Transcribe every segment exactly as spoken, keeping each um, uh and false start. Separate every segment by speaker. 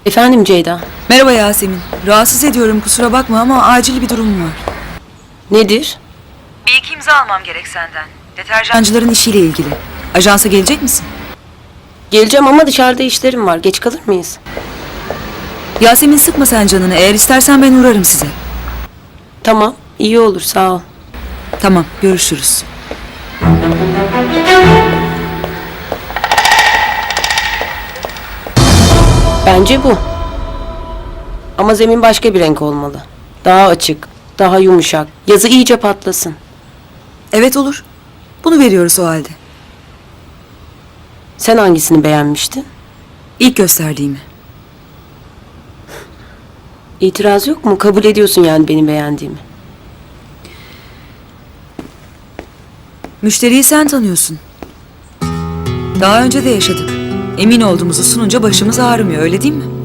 Speaker 1: Efendim Ceyda.
Speaker 2: Merhaba Yasemin. Rahatsız ediyorum, kusura bakma ama acil bir durum var.
Speaker 1: Nedir?
Speaker 2: Bir iki imza almam gerek senden. Deterjancıların işiyle ilgili. Ajansa gelecek misin?
Speaker 1: Geleceğim ama dışarıda işlerim var. Geç kalır mıyız?
Speaker 2: Yasemin, sıkma sen canını. Eğer istersen ben uğrarım size.
Speaker 1: Tamam. İyi olur. Sağ ol.
Speaker 2: Tamam, görüşürüz.
Speaker 1: Bence bu. Ama zemin başka bir renk olmalı. Daha açık, daha yumuşak. Yazı iyice patlasın.
Speaker 2: Evet, olur. Bunu veriyoruz o halde.
Speaker 1: Sen hangisini beğenmiştin?
Speaker 2: İlk gösterdiğimi.
Speaker 1: İtiraz yok mu? Kabul ediyorsun yani benim beğendiğimi.
Speaker 2: Müşteriyi sen tanıyorsun. Daha önce de yaşadık. Emin olduğumuzu sununca başımız ağrımıyor, öyle değil mi?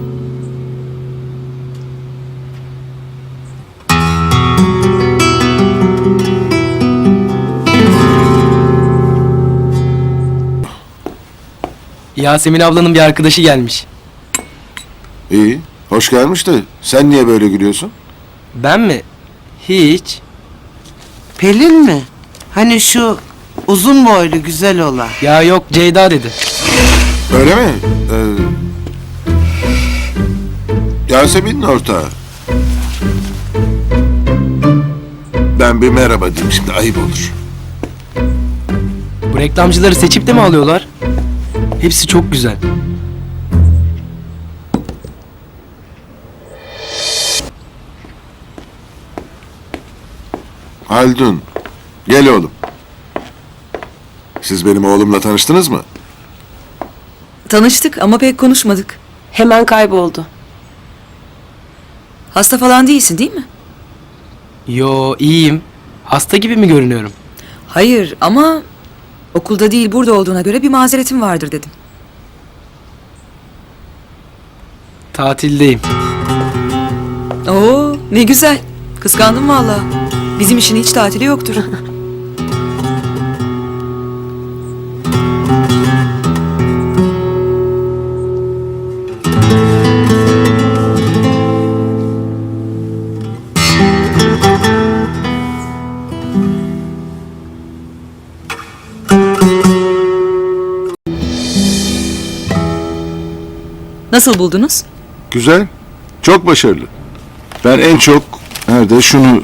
Speaker 3: Yasemin ablanın bir arkadaşı gelmiş.
Speaker 4: İyi, hoş gelmiş de sen niye böyle gülüyorsun?
Speaker 3: Ben mi? Hiç.
Speaker 5: Pelin mi? Hani şu uzun boylu güzel olan.
Speaker 3: Ya yok, Ceyda dedi.
Speaker 4: Öyle mi? Ee, Yasemin'in ortağı. Ben bir merhaba diyeyim şimdi, ayıp olur.
Speaker 3: Bu reklamcıları seçip de mi alıyorlar? Hepsi çok güzel.
Speaker 4: Haldun, gel oğlum. Siz benim oğlumla tanıştınız mı?
Speaker 2: Tanıştık ama pek konuşmadık.
Speaker 1: Hemen kayboldu.
Speaker 2: Hasta falan değilsin, değil mi?
Speaker 3: Yo, iyiyim. Hasta gibi mi görünüyorum?
Speaker 2: Hayır ama okulda değil burada olduğuna göre bir mazeretin vardır dedim.
Speaker 3: Tatildeyim.
Speaker 2: Oo, ne güzel. Kıskandım vallahi. Bizim işin hiç tatili yoktur. Nasıl buldunuz?
Speaker 4: Güzel, çok başarılı. Ben en çok, nerede şunu...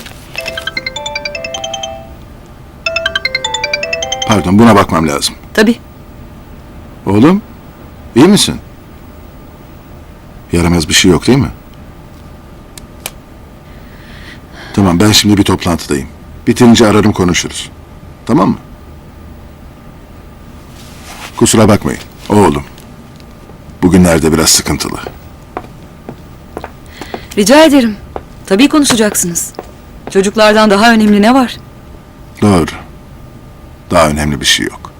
Speaker 4: Pardon, buna bakmam lazım.
Speaker 2: Tabii.
Speaker 4: Oğlum, iyi misin? Yaramaz bir şey yok değil mi? Tamam, ben şimdi bir toplantıdayım. Bitirince ararım, konuşuruz. Tamam mı? Kusura bakmayın, oğlum. Bugünlerde biraz sıkıntılı.
Speaker 2: Rica ederim. Tabii konuşacaksınız. Çocuklardan daha önemli ne var?
Speaker 4: Doğru. Daha önemli bir şey yok.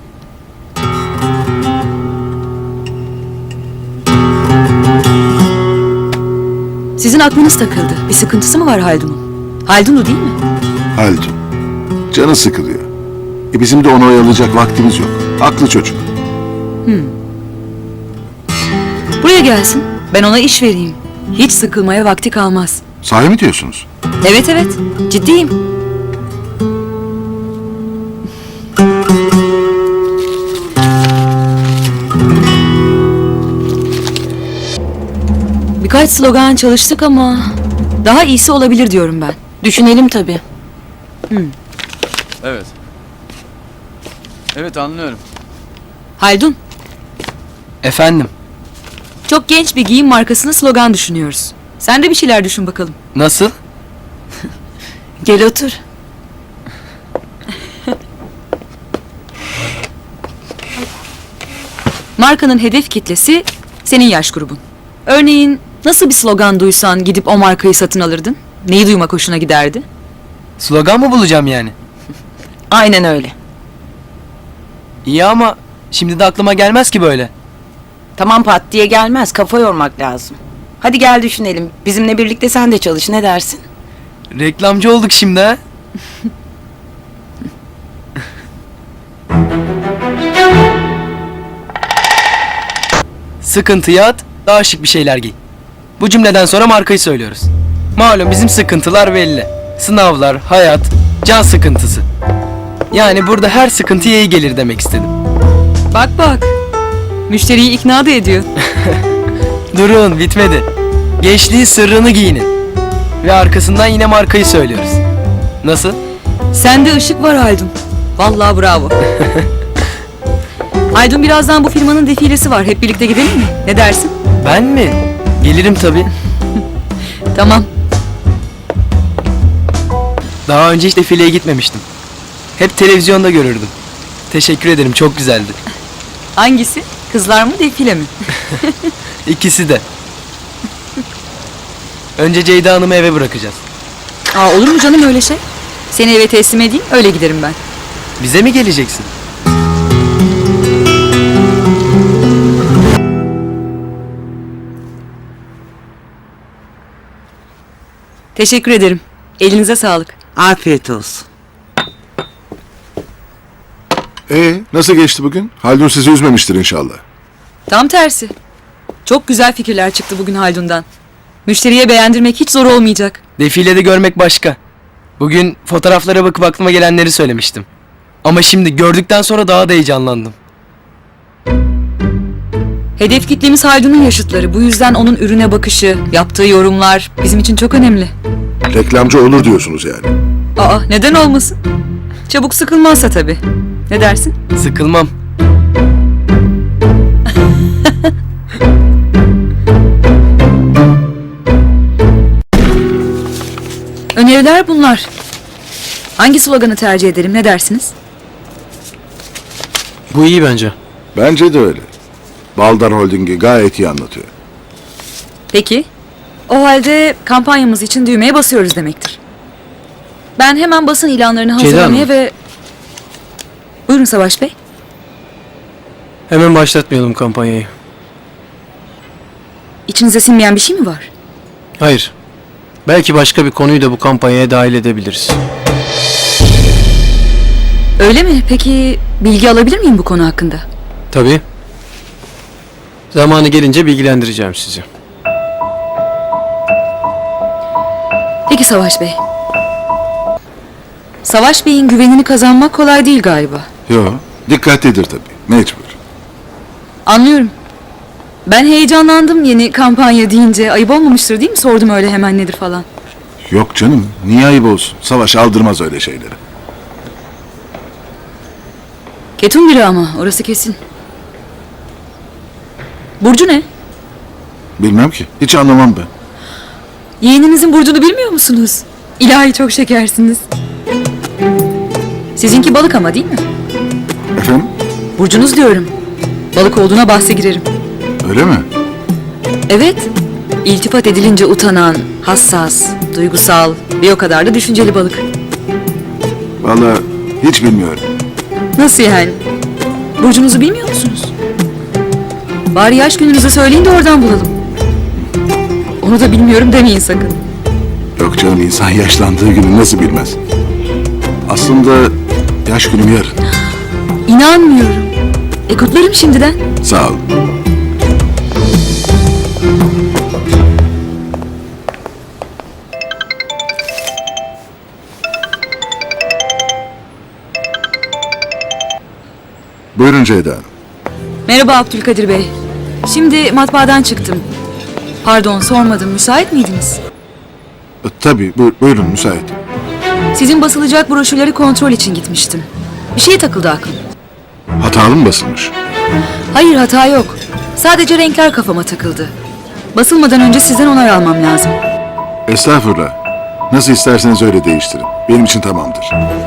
Speaker 2: Sizin aklınız takıldı. Bir sıkıntısı mı var Haldun'un? Haldun'u değil mi?
Speaker 4: Haldun. Canı sıkılıyor. E bizim de onu oyalayacak vaktimiz yok. Aklı çocuk.
Speaker 2: Buraya gelsin. Ben ona iş vereyim. Hiç sıkılmaya vakti kalmaz.
Speaker 4: Sahi mi diyorsunuz?
Speaker 2: Evet evet. Ciddiyim. Birkaç slogan çalıştık ama daha iyisi olabilir diyorum ben.
Speaker 1: Düşünelim tabii.
Speaker 6: Evet. Evet, anlıyorum.
Speaker 2: Haldun,
Speaker 3: Efendim,
Speaker 2: çok genç bir giyim markasını slogan düşünüyoruz. Sen de bir şeyler düşün bakalım.
Speaker 3: nasıl?
Speaker 1: Gel otur.
Speaker 2: Markanın hedef kitlesi senin yaş grubun. Örneğin nasıl bir slogan duysan gidip o markayı satın alırdın? Neyi duymak hoşuna giderdi?
Speaker 3: Slogan mı bulacağım yani?
Speaker 1: Aynen öyle.
Speaker 3: İyi ama şimdi de aklıma gelmez ki böyle.
Speaker 7: Tamam, pat diye gelmez. Kafa yormak lazım. Hadi gel düşünelim. Bizimle birlikte sen de çalış. Ne dersin?
Speaker 3: Reklamcı olduk şimdi ha? Sıkıntıya at, Daha şık bir şeyler giy. Bu cümleden sonra markayı söylüyoruz. Malum bizim sıkıntılar belli. Sınavlar, hayat, can sıkıntısı. Yani burada her sıkıntıya iyi gelir demek istedim.
Speaker 2: Bak bak. Müşteriyi ikna da ediyor.
Speaker 3: Durun, bitmedi. Gençliğin sırrını giyinin. Ve arkasından yine markayı söylüyoruz. Nasıl?
Speaker 2: Sende ışık var Haldun. Vallahi bravo. Haldun, birazdan bu firmanın defilesi var. Hep birlikte gidelim mi? Ne dersin?
Speaker 3: Ben mi? Gelirim tabii.
Speaker 2: Tamam.
Speaker 3: Daha önce hiç defileye gitmemiştim. Hep televizyonda görürdüm. Teşekkür ederim, çok güzeldi.
Speaker 2: Hangisi? Kızlar mı, defile mi?
Speaker 3: İkisi de. Önce Ceyda Hanım'ı eve bırakacağız.
Speaker 2: Aa, olur mu canım öyle şey? Seni eve teslim edeyim, öyle giderim ben.
Speaker 3: Bize mi geleceksin?
Speaker 2: Teşekkür ederim. Elinize sağlık.
Speaker 5: Afiyet olsun.
Speaker 4: Ee, nasıl geçti bugün? Haldun sizi üzmemiştir inşallah.
Speaker 2: Tam tersi. Çok güzel fikirler çıktı bugün Haldun'dan. Müşteriye beğendirmek hiç zor olmayacak.
Speaker 3: Defilede görmek başka. Bugün fotoğraflara bakıp aklıma gelenleri söylemiştim. Ama şimdi gördükten sonra daha da heyecanlandım.
Speaker 2: Hedef kitlemiz Haldun'un yaşıtları. Bu yüzden onun ürüne bakışı, yaptığı yorumlar bizim için çok önemli.
Speaker 4: Reklamcı olur diyorsunuz yani.
Speaker 2: Aa, neden olmasın? Çabuk sıkılmazsa tabii. Ne dersin?
Speaker 3: Sıkılmam.
Speaker 2: Öneriler bunlar. Hangi sloganı tercih ederim, ne dersiniz?
Speaker 6: Bu iyi bence.
Speaker 4: Bence de öyle. Baldar Holding'i gayet iyi anlatıyor.
Speaker 2: Peki. O halde kampanyamız için düğmeye basıyoruz demektir. Ben hemen basın ilanlarını
Speaker 6: Ceyda
Speaker 2: hazırlamaya
Speaker 6: Hanım.
Speaker 2: ve... Buyurun Savaş Bey.
Speaker 6: Hemen başlatmayalım kampanyayı.
Speaker 2: İçinize sinmeyen bir şey mi var?
Speaker 6: Hayır. Belki başka bir konuyu da bu kampanyaya dahil edebiliriz.
Speaker 2: Öyle mi? Peki bilgi alabilir miyim bu konu hakkında?
Speaker 6: Tabii. Zamanı gelince bilgilendireceğim sizi.
Speaker 2: Peki Savaş Bey. Savaş Bey'in güvenini kazanmak kolay değil galiba.
Speaker 4: Yo, dikkatlidir tabii. Mecbur.
Speaker 2: Anlıyorum. Ben heyecanlandım yeni kampanya deyince. Ayıp olmamıştır değil mi? Sordum öyle hemen nedir falan.
Speaker 4: Yok canım, niye ayıp olsun? Savaş aldırmaz öyle şeyleri.
Speaker 2: Ketum biri ama orası kesin. Burcu ne?
Speaker 4: Bilmem ki, hiç anlamam ben.
Speaker 2: Yeğeninizin burcunu bilmiyor musunuz? İlahi çok şekersiniz. Sizinki balık ama değil mi?
Speaker 4: Efendim,
Speaker 2: Burcunuz diyorum. Balık olduğuna bahse girerim.
Speaker 4: öyle mi?
Speaker 2: Evet. İltifat edilince utanan, hassas, duygusal ve o kadar da düşünceli balık.
Speaker 4: Vallahi hiç bilmiyorum.
Speaker 2: Nasıl yani? Burcunuzu bilmiyor musunuz? Bari yaş gününüzü söyleyin de oradan bulalım. Onu da bilmiyorum demeyin sakın.
Speaker 4: Yok canım, insan yaşlandığı günü nasıl bilmez? Aslında yaş günüm yarın.
Speaker 2: İnanmıyorum. E kutlarım şimdiden.
Speaker 4: Sağ ol. Buyurun Ceyda Hanım.
Speaker 2: Merhaba Abdülkadir Bey. Şimdi matbaadan çıktım. Pardon sormadım. Müsait miydiniz?
Speaker 4: E, tabii, bu- buyurun müsait.
Speaker 2: Sizin basılacak broşürleri kontrol için gitmiştim. Bir şey takıldı aklım.
Speaker 4: Hatalı mı basılmış?
Speaker 2: Hayır hata yok. Sadece renkler kafama takıldı. Basılmadan önce sizden onay almam lazım.
Speaker 4: Estağfurullah. Nasıl isterseniz öyle değiştirin. Benim için tamamdır.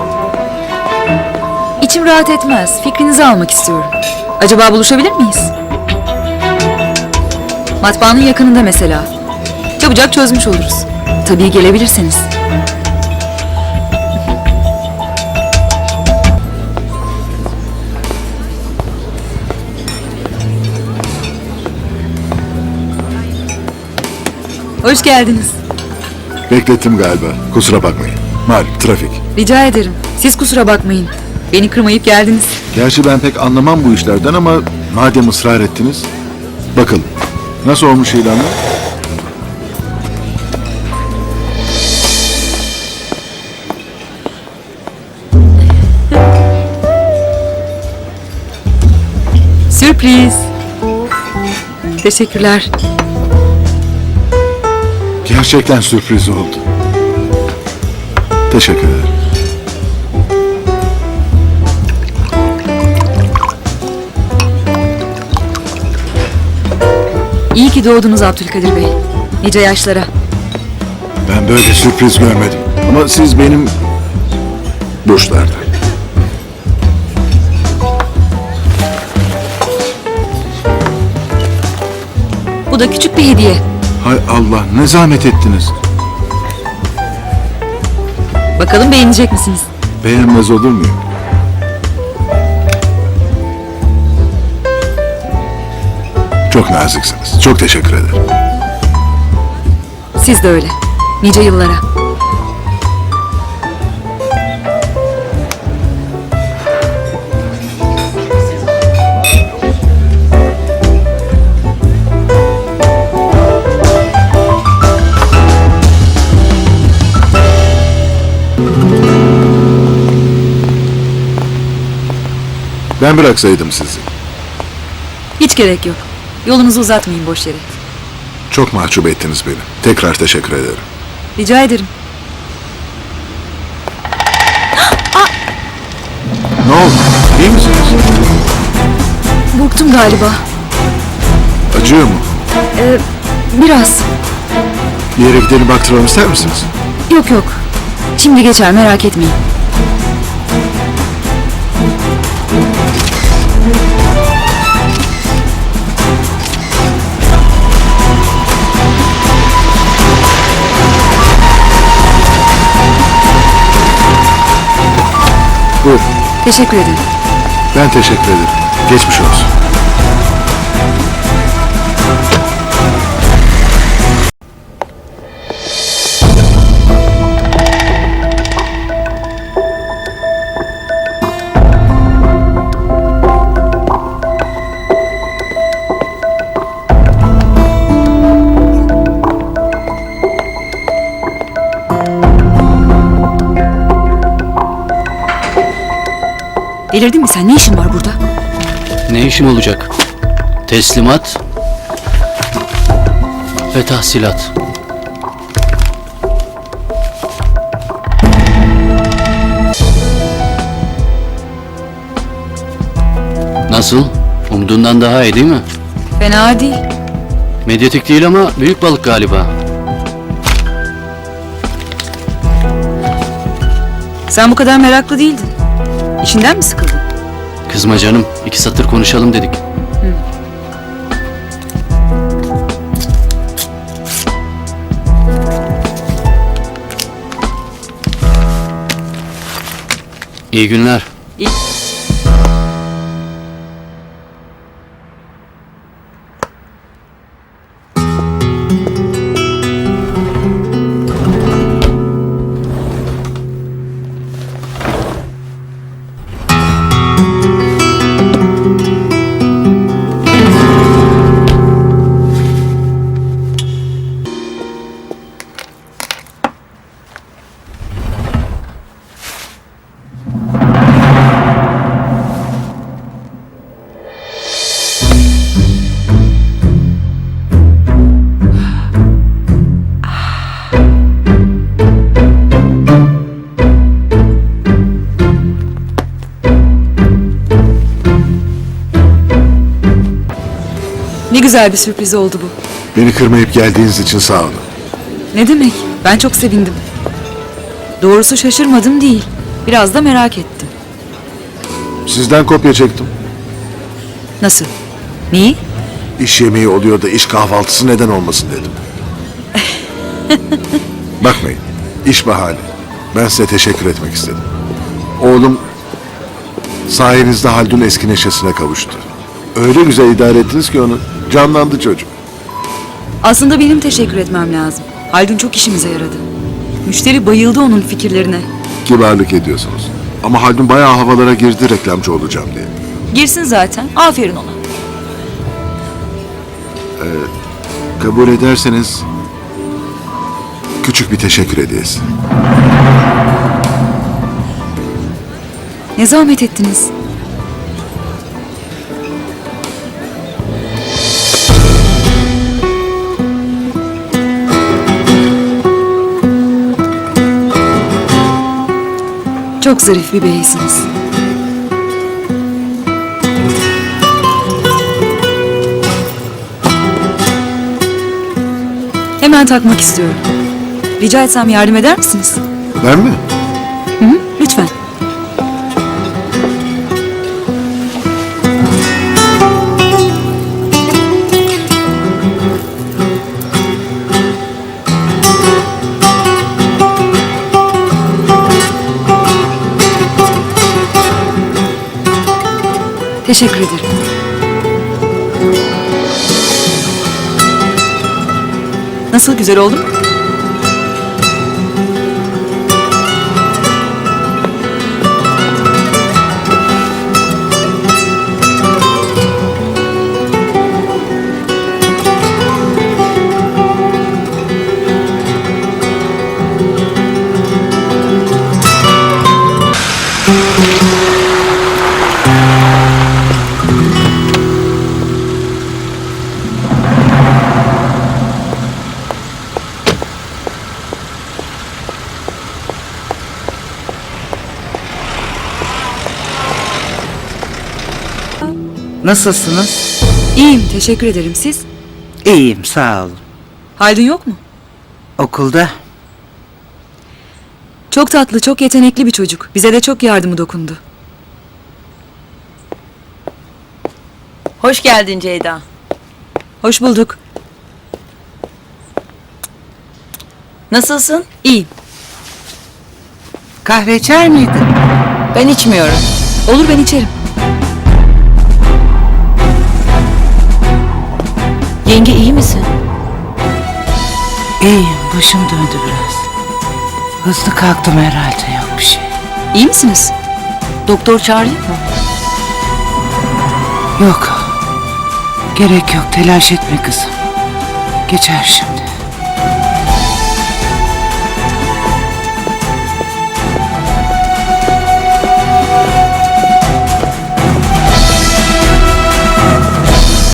Speaker 2: İçim rahat etmez. Fikrinizi almak istiyorum. Acaba buluşabilir miyiz? Matbaanın yakınında mesela. Çabucak çözmüş oluruz. Tabii gelebilirseniz. Hoş geldiniz.
Speaker 4: Beklettim galiba. Kusura bakmayın. Malum trafik.
Speaker 2: Rica ederim. Siz kusura bakmayın. Beni kırmayıp geldiniz.
Speaker 4: Gerçi ben pek anlamam bu işlerden ama madem ısrar ettiniz. Bakalım. Nasıl olmuş ilanlar?
Speaker 2: Sürpriz. Teşekkürler.
Speaker 4: Gerçekten sürpriz oldu. Teşekkür ederim.
Speaker 2: İyi ki doğdunuz Abdülkadir Bey. Nice yaşlara.
Speaker 4: Ben böyle sürpriz görmedim. Ama siz benim burçlardan.
Speaker 2: Bu da küçük bir hediye.
Speaker 4: Hay Allah, ne zahmet ettiniz.
Speaker 2: Bakalım beğenecek misiniz?
Speaker 4: Beğenmez olur muyum? Çok naziksiniz. Çok teşekkür ederim.
Speaker 2: Siz de öyle. Nice yıllara.
Speaker 4: Ben bıraksaydım sizi.
Speaker 2: Hiç gerek yok. Yolunuzu uzatmayın boş yere.
Speaker 4: Çok mahcup ettiniz beni. Tekrar teşekkür ederim.
Speaker 2: Rica ederim.
Speaker 4: Ne oldu? İyi misiniz?
Speaker 2: Burktum galiba.
Speaker 4: Acıyor mu?
Speaker 2: Ee, biraz.
Speaker 4: Bir yere gidelim baktıralım ister misiniz?
Speaker 2: Yok yok. Şimdi geçer merak etmeyin.
Speaker 4: Buyur.
Speaker 2: Teşekkür ederim.
Speaker 4: Ben teşekkür ederim. Geçmiş olsun.
Speaker 2: Delirdin mi sen? Ne işin var burada?
Speaker 6: Ne işim olacak? Teslimat ve tahsilat. Nasıl? Umduğundan daha iyi değil mi?
Speaker 2: Fena değil.
Speaker 6: Medyatik değil ama büyük balık galiba.
Speaker 2: Sen bu kadar meraklı değildin. İşinden mi sıkıldın?
Speaker 6: Kızma canım, iki satır konuşalım dedik. İyi günler.
Speaker 2: İyi. Ne güzel bir sürpriz oldu bu.
Speaker 4: Beni kırmayıp geldiğiniz için sağ olun.
Speaker 2: Ne demek? Ben çok sevindim. Doğrusu şaşırmadım değil. Biraz da merak ettim.
Speaker 4: Sizden kopya çektim.
Speaker 2: Nasıl? Neyi?
Speaker 4: İş yemeği oluyor da iş kahvaltısı neden olmasın dedim. Bakmayın, iş bahane. Ben size teşekkür etmek istedim. Oğlum sayenizde Haldun eski neşesine kavuştu. Öyle güzel idare ettiniz ki onu. Canlandı çocuk.
Speaker 2: Aslında benim teşekkür etmem lazım. Haldun çok işimize yaradı. Müşteri bayıldı onun fikirlerine.
Speaker 4: Kibarlık ediyorsunuz. Ama Haldun bayağı havalara girdi reklamcı olacağım diye.
Speaker 2: Girsin zaten. Aferin ona.
Speaker 4: Kabul ederseniz küçük bir teşekkür hediyesi.
Speaker 2: Ne zahmet ettiniz. Çok zarif bir beysiniz. Hemen takmak istiyorum. Rica etsem yardım eder misiniz?
Speaker 4: Ben mi?
Speaker 2: Hı hı, lütfen. Teşekkür ederim. Nasıl, güzel oldu mu?
Speaker 5: Nasılsınız?
Speaker 2: İyiyim, teşekkür ederim. Siz?
Speaker 5: İyiyim, sağ olun.
Speaker 2: Haldun yok mu?
Speaker 5: Okulda
Speaker 2: Çok tatlı, çok yetenekli bir çocuk. Bize de çok yardımı dokundu.
Speaker 7: Hoş geldin Ceyda.
Speaker 2: Hoş bulduk.
Speaker 7: Nasılsın?
Speaker 2: İyiyim.
Speaker 5: kahve içer miydin?
Speaker 7: Ben içmiyorum.
Speaker 2: Olur, ben içerim.
Speaker 7: Yenge iyi misin?
Speaker 5: İyiyim, başım döndü biraz. Hızlı kalktım herhalde, yok bir şey.
Speaker 2: İyi misiniz?
Speaker 7: Doktor çağırayım mı?
Speaker 5: Yok. Gerek yok, telaş etme kızım. Geçer şimdi.